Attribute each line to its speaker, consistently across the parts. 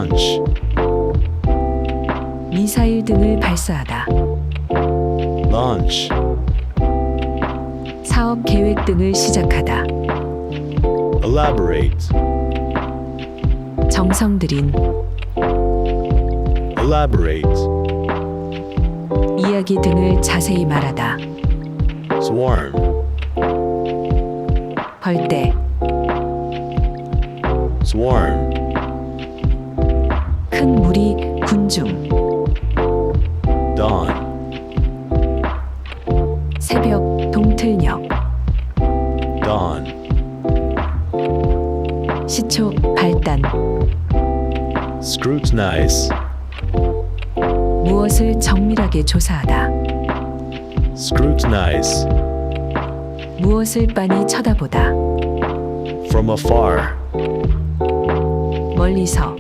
Speaker 1: launch,
Speaker 2: 미사일 등을 발사하다.
Speaker 1: launch,
Speaker 2: 사업 계획 등을 시작하다.
Speaker 1: elaborate,
Speaker 2: 정성 들인,
Speaker 1: elaborate,
Speaker 2: 이야기 등을 자세히 말하다.
Speaker 1: swarm,
Speaker 2: 벌떼,
Speaker 1: swarm,
Speaker 2: 큰 무리, 군중,
Speaker 1: dawn,
Speaker 2: 새벽, 동틀녘,
Speaker 1: dawn,
Speaker 2: 시초, 발단,
Speaker 1: scrutinize,
Speaker 2: 무엇을 정밀하게 조사하다.
Speaker 1: scrutinize,
Speaker 2: 무엇을 빤히 쳐다보다.
Speaker 1: from afar,
Speaker 2: 멀리서,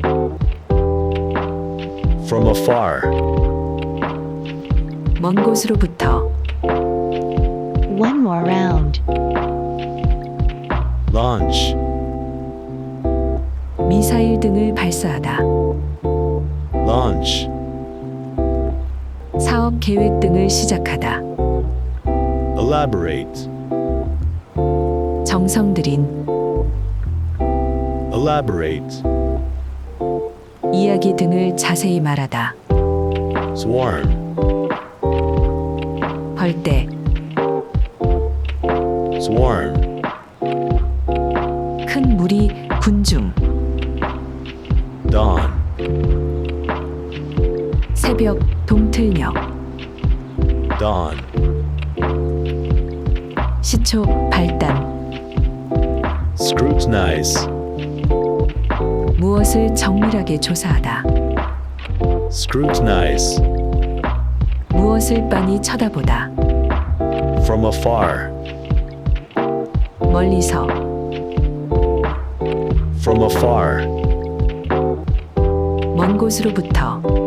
Speaker 1: from afar,
Speaker 2: 먼 곳으로부터.
Speaker 3: One more round.
Speaker 1: launch,
Speaker 2: 미사일 등을 발사하다.
Speaker 1: launch,
Speaker 2: 사업 계획 등을 시작하다.
Speaker 1: elaborate,
Speaker 2: 정성 들인,
Speaker 1: elaborate,
Speaker 2: 이야기 등을 자세히 말하다.
Speaker 1: swarm,
Speaker 2: 벌떼,
Speaker 1: swarm,
Speaker 2: 큰 무리, 군중,
Speaker 1: dawn,
Speaker 2: 새벽, 동틀녘,
Speaker 1: dawn,
Speaker 2: 시초, 발단,
Speaker 1: scrutinize,
Speaker 2: 무엇을 정밀하게 조사하다.
Speaker 1: scrutinize,
Speaker 2: 무엇을 빤히 쳐다보다.
Speaker 1: from afar,
Speaker 2: 멀리서,
Speaker 1: from afar,
Speaker 2: 먼 곳으로부터.